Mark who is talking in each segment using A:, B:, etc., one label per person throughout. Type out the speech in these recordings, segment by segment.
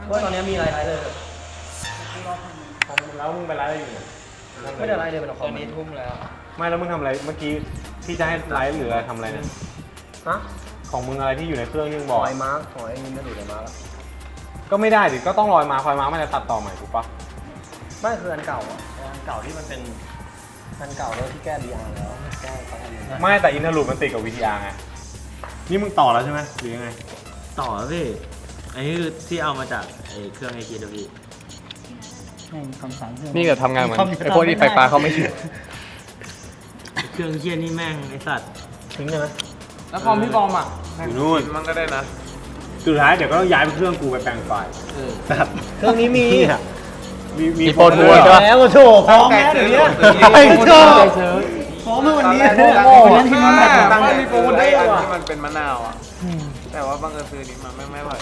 A: ว่าตอนนี้มีอะไรเลย
B: แล้วมึงไปไลฟ์อะไรอยู่เนี่ย
A: ไม่ได้อะไรเลยเป็นค
C: ต
A: อ
C: อ
A: ม
C: นนี้ทุ่มแล้ว
B: ไม่แล้วมึงทำอะไรเมื่อกี้ที่จะให้ไลฟ์หรืออะไรทำอะไรเนี่ย
A: ฮะ
B: ของมึงอะไรที่อยู่ในเครื่องที่มึง
A: บบ อ
B: อก
A: ยมาร์คหอยนี่ไม่ดูเลยมาร์ค
B: ก็ไม่ได้ดิก็ต้องลอยมาคอยมามันจะตัดต่อใหม่ถูกปะ
A: ไม่คืออันเก่าอ่ะอันเก่าที่มันเป็นอันเก่าแล้วที่แก้ VR แล้วแก้เขาทำยังไง
B: ไม่แต่อินเทอร์ลูดมันติดกับ VTR ไงนี่มึงต่อแล้วใช่ไหมหรือยังไง
C: ต่อพี่อันนี้คือที่เอามาจากไอ้เครื่องไอคิดพี่
D: นี่ก็ทำงานเหมือนไอ้พวกที่ไฟฟ้าเขาไม่เชื่อ
C: เครื่องเชี่ยนี่แม่งไอสัตว์
A: ทิ้งเลยไหม
D: แล้วคอมพี่บอมอ่ะ
B: อยู่นู่น
D: มันก็ได้นะ
B: สุดท้ายเดี๋ยวก็ต้องย้ายไปเครื่องกูไปแปลงไฟล์
A: เครื่องนี้มี
B: มี
D: โปรทัวร์
B: ใช่ปะ
A: แล้วโถพร้อมแล้วเดี๋ยวนี้พร้อมเมื่อวันนี้โง่วันที่มันแบบตั้งใจ
D: มีโปรได้อันที่มันเป็นมะนาวอ่ะ แต่ว่าบางเอิญซื้อนี้มันไม่ไหว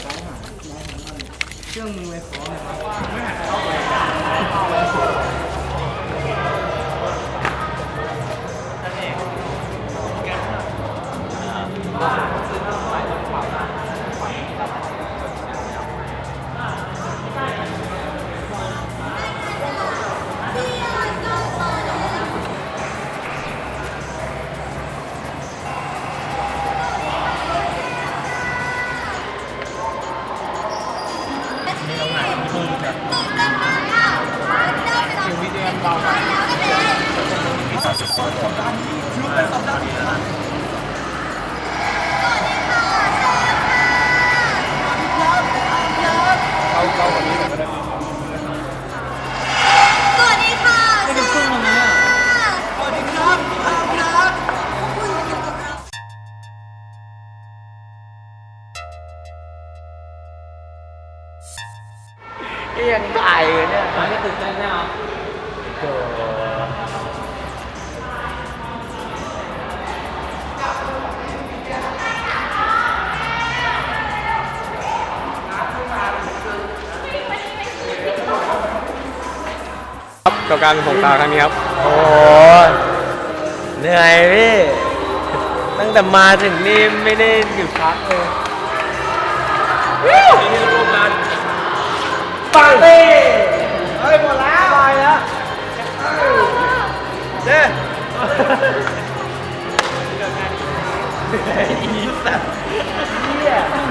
E: สวัสดีค่ะไม่เป็นเครื่องมันเนี่ยสวัสดีครับครับ
C: ยังถ่ายอยู่เนี่ย
A: ไม่ตื่นเต้นแน่เอา
D: กับการส่งตาครั้งนี้ครับ
C: โอ้ยเหนื่อยพี่ ตั้งแต่มาถึงนี่ไม่ได้หยุดพักเลย
A: ปาร์ตี้เฮ้ยหมดแล้วไปแล้วเด้อีสัตว์เฮีย